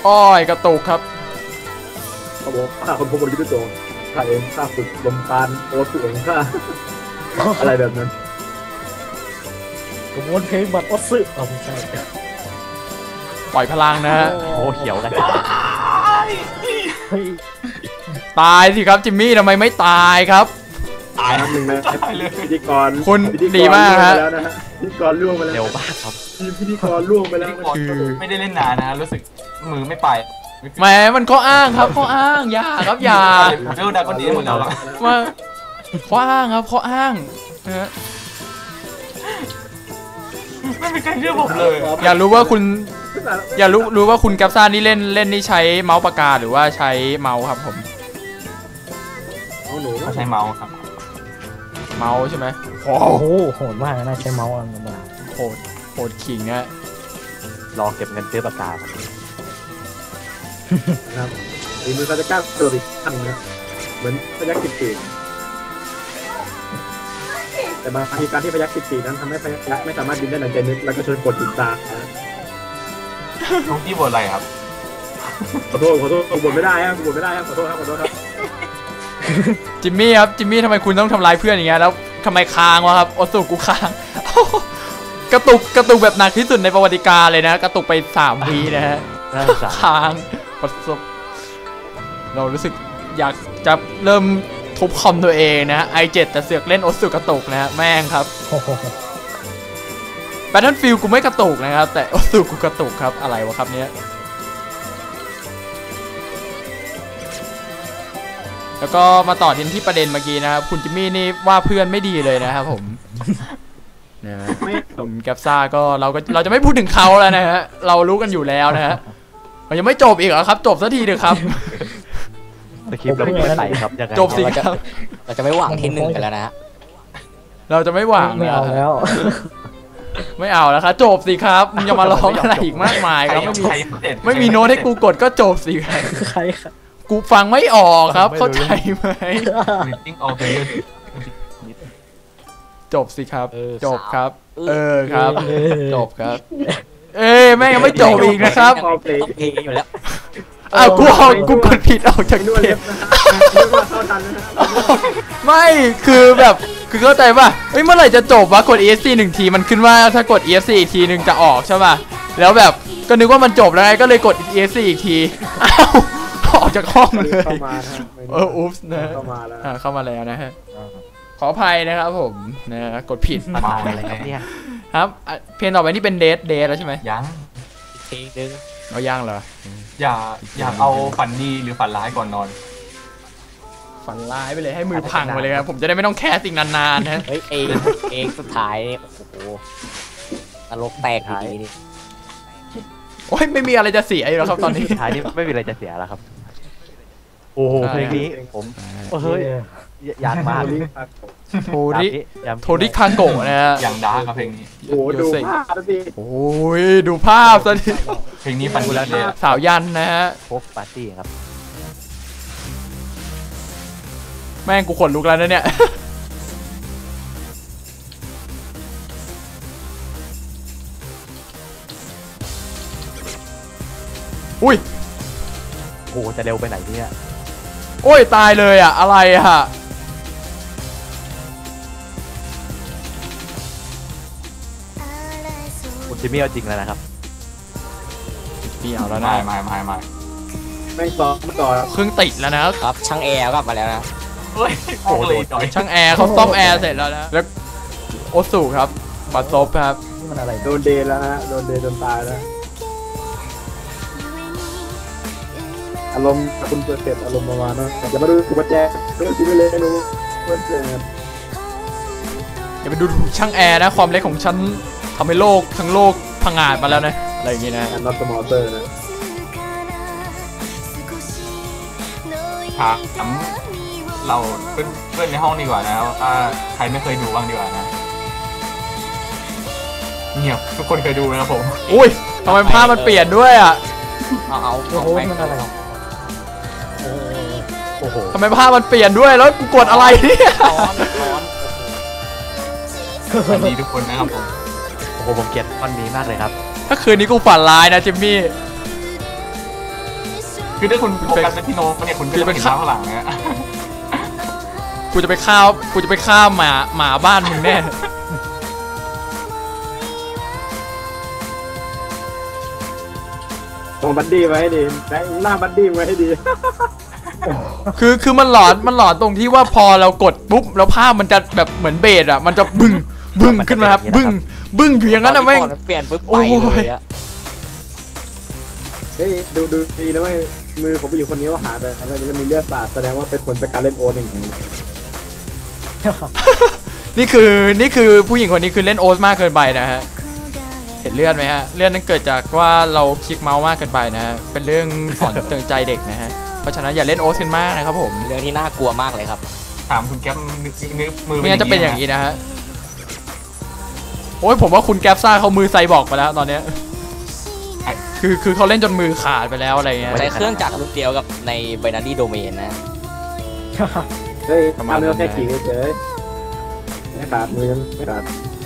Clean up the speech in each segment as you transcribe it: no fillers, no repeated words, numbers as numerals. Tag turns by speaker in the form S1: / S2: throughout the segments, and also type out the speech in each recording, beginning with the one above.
S1: อ้อยกระตุกครับ
S2: เขาบอกข้าคนพบคนยุทธโจข้าเองข้าฝึกลมปานโอสุของข้าอะไรแบบนั้น
S3: ผมวนเพลงบัตรออสซึไม่ใช่
S1: ปล่อยพลังนะฮะ
S4: โอ้เขียวกัน
S1: ตายสิครับจิมมี่ทำไมไม่ตายครับ
S2: ตายหนึ่งนะพิธีกร
S1: คุณดีมากฮะ
S2: พิธีกรล่วงไปแล้ว
S4: เร็วมากครับ
S2: พิธีกรล่วงไปแล้ว
S5: คือไม่ได้เล่นนานนะรู้สึกมือไม่ไป
S1: แหมมันข้ออ้างครับข้ออ้างอย่าครับอย่า
S5: เรื่องดักคนนี้หมดแล้ว
S1: มาข้ออ้างครับข้ออ้างนะฮะ
S5: ไม่มีใครเชื่อผมเลย
S1: อยากรู้ว่าคุณอยากรู้ว่าคุณแกปซ่านี่เล่นนี่ใช้เมาส์ปากกาหรือว่าใช้เมาส์ครับผม
S5: เขาใช้เมาส์ครับ
S1: เมาส์ใช่ไหม
S3: โอ้โหโหดมากนะใช้เมาส์อะไรมา
S1: โหดขิงนะ
S4: รอเก็บเงินซื้อปากกา
S2: ครับอีมือเขาจะกล้าตัวอีกขั้นนะเหมือนพยัคฆ์กิตติแต่บางทีการที่พยัคฆ์กิตตินั้นทำให้พยัคฆ์ไม่สามารถบินได้ดังใจนึกแล้วก็ชนกดติดตา
S5: น้องที่บทอะไรครับ
S2: ขอโทษบทไม่ได้ครับบทไม่ได้ครับขอโทษครับ
S1: จิมมี่ครับจิมมี่ทำไมคุณต้องทำร้ายเพื่อนอย่างเงี้ยแล้วทำไมค้างวะครับโอสุกูค้างกระตุกแบบหนักที่สุดในประวัติการเลยนะกระตุกไป3 วินะฮะค้างประสบเรารู้สึกอยากจะเริ่มทุบคอมตัวเองนะi7แต่เสือกเล่นโอสุกระตุกนะฮะแม่งครับBattlefield กูไม่กระตุกนะครับแต่โอสุกูกระตุกครับอะไรวะครับเนี้ยแล้วก็มาต่อที่ประเด็นเมื่อกี้นะครับคุณจิมมี่นี่ว่าเพื่อนไม่ดีเลยนะครับผมนะผมแกปซ่าก็เราจะไม่พูดถึงเขาแล้วนะฮะเรารู้กันอยู่แล้วนะฮะมันยังไม่จบอีกเหรอครับจบสักทีเถอะครับ
S4: ตะคริปเราไม่ใส่ครับ
S1: จบสิครับ
S6: เราจะไม่หวังที่1กันแล้วนะฮะ
S1: เราจะไม่หวัง
S3: ไม่เอาแล้ว
S1: ไม่เอาแล้วครับจบสิครับมึงจะมาร้องอะไรอีกมากมายครับไม่มีโน้ตให้กูกดก็จบสิครับ
S3: ใครครับ
S1: กูฟังไม่ออกครับเข้าใจไหมจบสิครับจบครับครับจบครับแม่งยังไม่จบอีกนะครับ
S6: เพลงอยู่แล้ว
S1: อ้าวกูกดผิดออกจากเกมไม่คือแบบคือเข้าใจป่ะเมื่อไหร่จะจบวะกด ESC 1 ทีมันขึ้นว่าถ้ากด ESC อีกทีนึงจะออกใช่ป่ะแล้วแบบก็นึกว่ามันจบแล้วไงก็เลยกด ESC อีกทีอ้าวออกจากห้องเลยอุ๊บนะเข้ามาแล้วนะฮะขออภัยนะครับผมนะกดผิด
S4: มาอะไรครับเนี่ย
S1: ครับเพลงต่อไปนี่เป็นเดทแล้วใช่ไหม
S6: ยังเพลงนึง
S1: เอาย่างเหรอ
S5: อยากเอาฝันดีหรือฝันร้ายก่อนนอน
S1: ฝันร้ายไปเลยให้มือพังไปเลยครับผมจะได้ไม่ต้องแคสสิ่งนานๆนะ
S6: เฮ้ยเองสุดท้ายโอ้โหนรกแตกทีนี้
S1: โอ้ยไม่มีอะไรจะเสียอยู่แล้วครับตอนนี้
S4: ท้ายนี้ไม่มีอะไรจะเสียแล้วครับโอ้โหเพลงนี้ผมเฮ้ยอยากมา
S1: โทริคาโกะนะฮะ
S5: อย่างดาร์กเพลงนี้
S2: โอ้ดูภาพสิ
S1: โอ้ยดูภาพซะดิ
S5: เพลงนี้ฟันดูแล้ว
S1: สาวยันนะฮะ
S4: โพสปาร์ตี้ครับ
S1: แม่งกูขนลุกแล้วนะเนี่ยอุ้ย
S4: โอ้จะเร็วไปไหนเนี่ย
S1: โอ้ยตายเลยอ่ะอะไรอ่ะ
S4: คุณจิมมี่เอาจริงแล้วนะครับ
S1: พี่เอาแล้วนะ
S5: ไม่
S2: แม่งซ้อมก่อน
S1: เครื่องติดแล้วนะครับ
S6: ช่างแอร์กลับมาแล้วนะ
S5: เฮ้ยโอ้โห
S1: ช่างแอร์เขาซ่อมแอร์เสร็จแล้วนะแล้วโอสุครับปัดซบครับ
S2: มันอะไรโดนเดย์แล้วฮะโดนตายแล้วอารมณ์คุณเปิดอารมณ์ประมาณนั้นอย่ามาดูกุญแจเรื่องที่ไม่เล่นรู้เพื่อน
S1: อย่าไปดูช่างแอร์นะความเล็กของฉันทำให้โลกทั้งโลกพังงาดมาแล้วนะอะไรอย่างงี้นะ
S2: นอตสมอเตอร์นะ
S5: เราเพื่อนในห้องดีกว่านะถ้าใครไม่เคยดูบ้างดีกว่านะเงียบทุกคนเคยดูนะครับผม
S1: อุ้ยทำไมภาพมันเปลี่ยนด้วยอ่ะ
S6: เอา
S3: โอ้โหมันอะไร
S1: โอ้โหทำไมภาพมันเปลี่ยนด้วยแล้วกูกดอะไรเนี่ย
S5: สวัสดีทุกคนนะครับผม
S4: โอ้โหผมเกลียดท่อนนี้มากเลยครับ
S1: ถ้าคืนนี้กูฝันร้ายนะจิมมี่
S5: คือถ้าคุณโฟกัสไปที่โน้ตเนี่ยคุณก็จะไม่เห็นข้างหลังเนี่ย
S1: กูจะไปฆ่าหมาบ้านมึงแน่
S2: ตรงบัดดี้ไว้ให้ดีหน้าบัดดี้ไว้ให้ดี
S1: คือมันหลอนตรงที่ว่าพอเรากดปุ๊บแล้วภาพมันจะแบบเหมือนเบสอ่ะมันจะบึ้งขึ้นมาครับบึ้งอยู่อย่างนั้นนะแม่ง
S6: เปลี่ยนปุ๊บไปเลยอะ
S2: เฮ้ยดูดีนะเว้ยมือผมไปอยู่คนนี้ว่าหาแต่อะไรมันมีเลือดสาดแสดงว่าเป็นคนจากการเล่นโอ๊ตอย่างนี้
S1: นี่คือผู้หญิงคนนี้คือเล่นโอ๊ตมากเกินไปนะฮะเห็นเลือดไหมฮะเลือดนั้นเกิดจากว่าเราคลิกเมาส์มากเกินไปนะฮะเป็นเรื่องสอนเตือนใจเด็กนะฮะเพราะฉะนั้นอย่าเล่นโอ๊ตกันมากนะครับผม
S6: เรื่องที่น่ากลัวมากเลยครับ
S5: ถามคุณแก๊ปนึกมือ
S1: ไม่งั้นจะเป็นอย่างนี้นะฮะโอ้ยผมว่าคุณแก๊ปซ่าเขามือไซบอร์กไปแล้วตอนเนี้ยคือเขาเล่นจนมือขาดไปแล้วอะไรเงี้ย
S6: ใช้เครื่องจักรรุ่นเดียวกับใน binary domain นะ
S2: เฮ้ยทำเนื้อแค่ขี่เฉยไม่ขาดมือไม่ขาด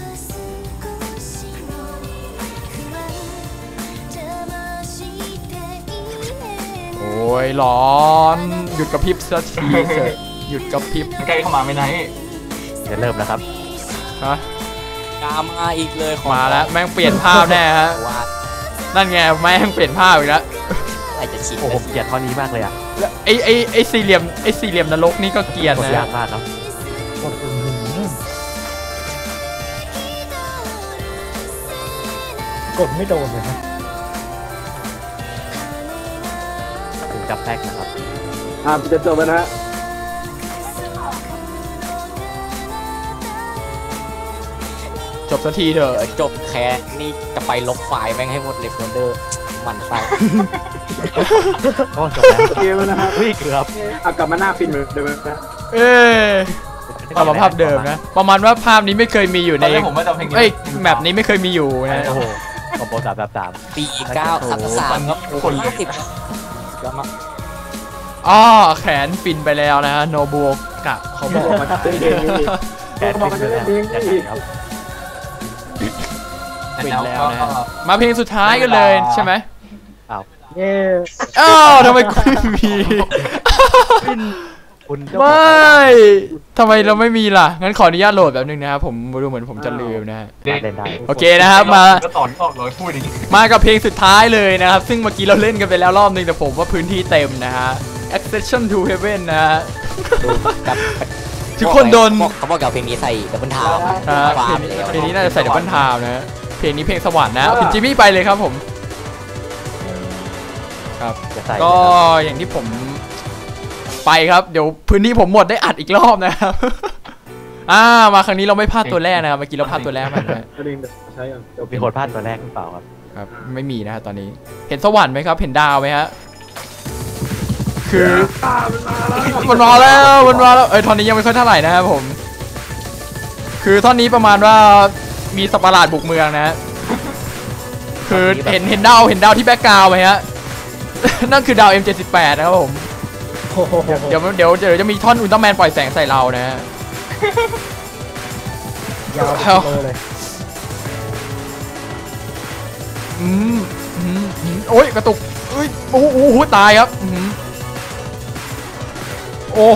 S1: โอ้ยร้อนหยุดกระพริบสักทีเถอะหยุดกระพริบ
S5: ใกล้เข้ามาไม่ไหน
S4: จะเริ่มแล้วครับ
S1: ฮะ
S6: กามาอีกเลยของ
S1: มาแล้วแม่งเปลี่ยนภาพแน่ฮะ
S6: ว่า
S1: นั่นไงแม่งเปลี่ยนภาพอีกแล้ว
S6: อะไรจะชิน
S4: โอ้ผมเกลียดท่อนนี้มากเลยอ่ะ
S1: ไอ้สี่เหลี่ยมนรกนี่ก็เกลียด
S4: กด
S1: นะ
S4: ยากมากครับ
S3: กดอื้อหือกดไม่โดนเลยนะ
S4: ถึงกับแตกนะครับ
S2: จะจบแล้วนะฮะ
S1: จบสักทีเถอะ
S6: เดี๋ยวจบแค่นี่จะไปลบไฟล์แม่งให้หมดเลยโฟลเดอร์มันไฟ
S4: ก็จบแล้ว
S2: เกมแล้วนะฮะ
S4: เฮ้ยเกือบ
S2: เอากลับมาหน้าฟินเหมือนเดิมนะ
S1: เอ้ยเอามาภาพเดิมนะประมาณว่าภาพนี้ไม่เคยมีอยู่
S5: ต
S1: ใน
S5: อนแรกผมว่าจะเพลงนี้
S1: เอ้ยแมปนี้ไม่เคยมีอยู่นะ
S4: โอ้โหคอมโบ3
S6: ปี9 3 ครับคน50แล้วมา
S1: อ้อแขนฟินไปแล้วนะฮะโนบุกะเขาบอก
S2: มาเล่นเพลงนี้
S4: แกนฟินเลยนะยังไงครับ
S1: ฟินแล้วนะฮะมาเพลงสุดท้ายกันเลยใช่ไหม
S3: เย้
S1: อ้าวทำไมกูไม่มี
S4: คุณเจ้า
S1: ไม
S4: ของ
S1: ่ทำไมเราไม่มีล่ะงั้นขออนุญาตโหลดแบบนึงนะครับผมดูเหมือนผมจะลืมนะฮะ
S4: เล่นได้
S1: โอเคนะครับมา
S5: ก็ตอนออกเลยพูดอย่างนี้
S1: มากับเพลงสุดท้ายเลยนะครับซึ่งเมื่อกี้เราเล่นกันไปแล้วรอบนึงแต่ผมว่าพื้นที่เต็มนะฮะ Accession to Heaven นะฮะ
S6: กับ
S1: ทุกคนโดน
S6: เขาบอกกับเพลงนี้ใส่ดับเบิลทาว
S1: เพลงนี้น่าจะใส่ดับเบิลไทม์นะฮะเพลงนี้เพลงสวรรค์นะคุณจิมมี่ไปเลยครับผมครับ
S4: จะใส่
S1: ก็อย่างที่ผมไปครับเดี๋ยวพื้นที่ผมหมดได้อัดอีกรอบนะครับ มาครั้งนี้เราไม่พลาดตัวแรกนะครับเมื่อกี้เราพลาดตัวแรกไปนะ
S2: ก็ดึงใช้อย่าง
S4: มีคนพลาดตัวแรกหรือเปล่าครับ
S1: ครับไม่มีนะฮะตอนนี้เห็นสวรรค์ไหมครับเห็นดาวไหมฮะคือมันมาแล้วท่อนนี้ยังไม่ค่อยเท่าไหร่นะครับผมคือท่อนนี้ประมาณว่ามีสัตว์ประหลาดบุกเมืองนะฮะคือเห็นดาวที่แบ็กกราวด์ไหมฮะ นั่นคือดาว M78 นะครับผม
S3: โอ้โห
S1: เดี๋ยวจะมีท่อนอุลตร้าแมนปล่อยแสงใส่เรานะฮะ
S3: ยาวไปเลย
S1: โอ้ยกระตุกเอ้ยโอ้โหตายครับโอ้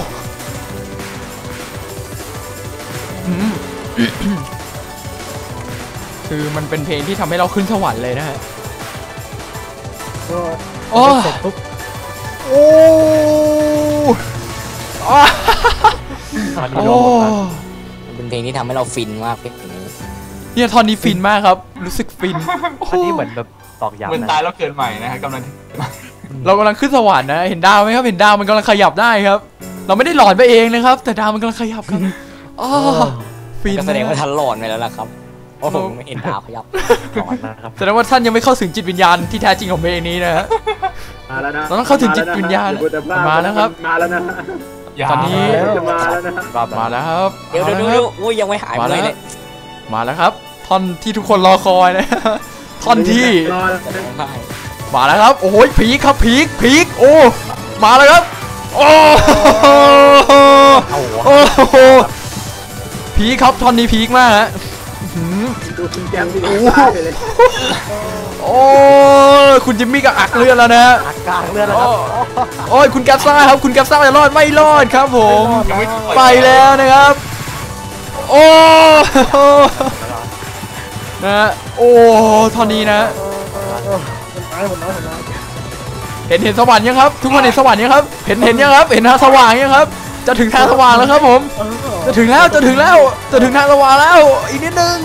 S1: คือมันเป็นเพลงที่ทำให้เราขึ้นสวรรค์เลยนะฮะ
S3: ก็
S1: โอ้
S3: เสร็จปุ๊บ
S1: โอ้
S4: ตอนนี้
S1: โอ้
S4: รวมหมดแล้ว
S6: มันเป็นเพลงที่ทำให้เราฟินมากเพลงนี้
S1: เนี่ยท่อนนี้ฟินมากครับรู้สึกฟิน
S4: อันนี้เหมือนแบบตอกย้ำ
S5: เหมือน
S4: นะ
S5: ตายแล้วเกิดใหม่นะฮะกำลัง
S1: เรากำลังขึ้นสวรรค์นะเห็นดาวไหมครับเห็นดาวมันกำลังขยับได้ครับ เราไม่ได้หลอนไปเองนะครับ แต่ดาวมันกำลังขยับครับอ๋อฟิน
S6: ก็แสดงว่าทันหลอนไปแล้วล่ะครับเพราะผมไม่เห็นดาวขยับ
S4: ก่อนนะครับ
S1: แสดงว่าท่านยังไม่เข้าถึงจิตวิญญาณที่แท้จริงของเพลงนี้นะฮะ
S2: มาแล้วนะ
S1: เราต้องเข้าถึงจิตวิญญาณมาแล้วครับ
S2: มาแล้วนะ
S1: ตอนนี้
S2: จะมาแล้วนะ
S4: รอบ
S1: มาแล้วครับ
S6: เดี๋ยวโอ้ยยังไม่หาย
S1: มา
S6: เล
S1: แล้
S6: ยว เนี่ย
S1: มาแล้วครับ ท่อนที่ทุกคนรอคอยนะ ท่อนที่
S2: รอแล้ว
S6: จะร้องไห้
S1: มาแล้วครับโอ้ยพีคครับพีคโอ้มาแล้วครับโอ้โหพีคครับท่อนนี้พีคมากฮะหืม
S2: ดูคุณแกมที่ตายเลย
S1: โอ้ยคุณจิมมี่ก็อักเลือดแล้วนะฮะ
S4: อากลางเรือแล้วครับ
S1: โอ้ยคุณแกปซ่าครับคุณแกปซ่าจะรอดไม่รอดครับผมไปแล้วนะครับ โอ้นะฮะโอ้ตอนนี้นะ
S3: ผมน้อย
S1: เห็นสวรรค์ยังครับ ทุกคนเห็นสวรรค์ยังครับเห็นยังครับเห็นทางสว่างยังครับ จะถึงทางสว่างแล้วครับผมจะถึงแล้วจะถึงทางสว่างแล้วอีกนิดนึง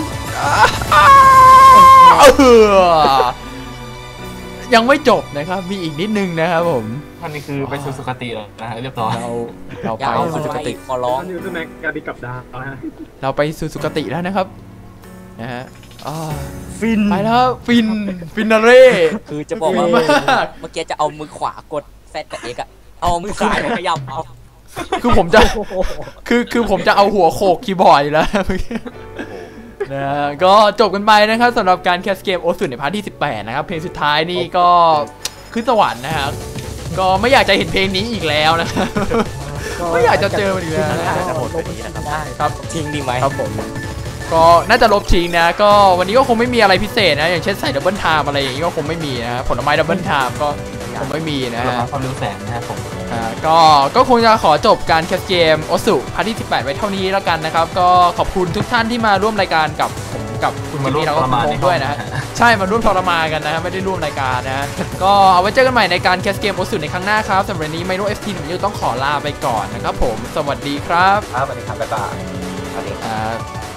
S1: ยังไม่จบนะครับมีอีกนิดนึงนะครับผม
S5: ท่านนี้คือไปสู่สุคติแล้วนะฮะเรียบร้อย
S1: เรา
S6: อย่า
S1: ไป
S6: เอา
S1: สู่สุ
S6: ไป
S1: คติ
S6: ขอร้อง
S2: อันนี้คือแม็กการดิกับดาวนะฮะ
S1: เราไปสู่สุคติแล้วนะครับนะฮะอ่า
S3: ฟิน
S1: ไปแล้วครับฟินนาเร่
S6: คือจะบอกว่า
S1: ฟินมาก
S6: เมื่อกี้จะเอามือขวากดแซดกับเอ็กอะเอามือซ้ายมาขยับเอา
S1: คือผมจะคือผมจะเอาหัวโขกคีย์บอร์ดอยู่แล้วนะฮะก็จบกันไปนะครับสำหรับการแคสเกมโอสุในพาร์ทที่ 18 นะครับเพลงสุดท้ายนี่ก็ขึ้นสวรรค์นะครับก็ไม่อยากจะเห็นเพลงนี้อีกแล้วนะครับไม่อยากจะเจอมันอีกแล้วนะ
S4: จะหมดแบบนี้นะครับ
S3: ได้
S1: ครับ
S6: ทิ้งดีไหม
S1: ครับผมก็น่าจะลบทิ้งนะก็วันนี้ก็คงไม่มีอะไรพิเศษนะอย่างเช่นใส่ดับเบิลไทม์อะไรอย่างนี้ก็คงไม่มีนะผลไม้ดับเบิลไทม์ก็คงไม่มีนะ
S5: เรา
S1: ฮะ
S5: ความเร็วแสงนะครับผม
S1: ก็คงจะขอจบการแคสเกมโอสุพาร์ทที่ 18 ไว้เท่านี้แล้วกันนะครับก็ขอบคุณทุกท่านที่มาร่วมรายการกับผมกับคุณจิมมี่แล้วก็คุณพงษ์ด้วยนะใช่มาร่วมทรมานกันนะฮะไม่ได้ร่วมรายการนะก็เอาไว้เจอกันใหม่ในการแคสเกมโอสุในครั้งหน้าครับสำหรับวันนี้ไมโนเอฟทีหนึ่งต้องขอลาไปก่อนนะครับผมสวัสดีครับ
S5: ครับสวัสดีครับบ๊ายบาย
S6: โอเค
S1: ครับ